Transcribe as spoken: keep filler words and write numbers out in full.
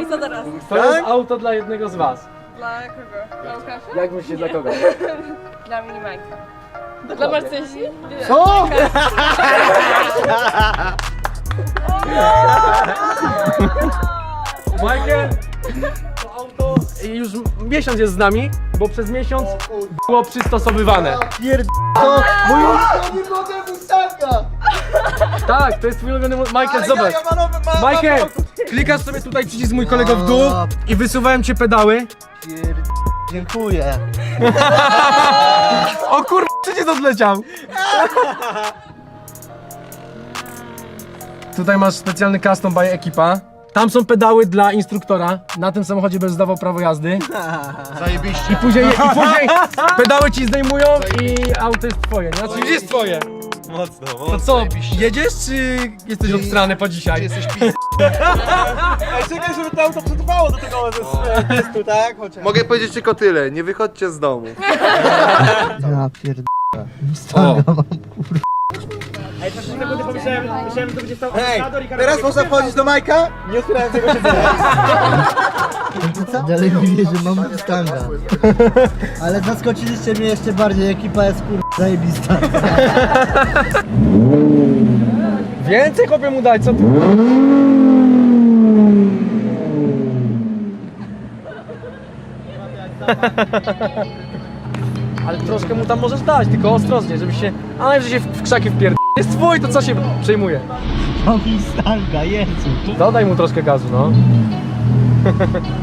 I co teraz? To jest auto dla jednego z was. Dla kogo? Dla Łukasza? Jak myślicie, dla kogo? Dla Minimajka. Dla Marcysi? Co? Michael, to auto już miesiąc jest z nami, bo przez miesiąc było przystosowywane. Pierd... To mój ulubiony model Mustanga! Tak, to jest twój ulubiony mo- Michael, Ale zobacz. Ja, ja mam nowy, mam, Michael, mam, klikasz sobie tutaj przycisk mój kolego w dół i wysuwałem cię pedały. Pierd... Dziękuję. O kur... przecież odleciał. Tutaj masz specjalny custom by ekipa. Tam są pedały dla instruktora. Na tym samochodzie będziesz zdawał prawo jazdy. Zajebiście. I później, i później pedały ci zdejmują i auto jest twoje. nie? Znaczy już jest twoje. Mocno, mocno. To co, jedziesz czy jesteś obstrany po dzisiaj? Jesteś pis... Ej, czekaj, żeby to auto przetrwało do tego testu, tak? Chociaż. Mogę powiedzieć tylko tyle, nie wychodźcie z domu. Ja pierd... Mustanga mam. Hej, teraz można wchodzić do Majka? Nie otwierałem tego siedzenia. Dalej mówię, że mam Mustanga. Ale zaskoczyliście mnie jeszcze bardziej, ekipa jest kur... zajebista. Więcej chłopie mu dać, co ty? Ale troszkę mu tam możesz dać, tylko ostrożnie, żeby się... A najwyżej się w, w krzaki wpierd... Jest twój, to co się przejmuje? Mam Mustanga, Jezu. Dodaj mu troszkę gazu, no.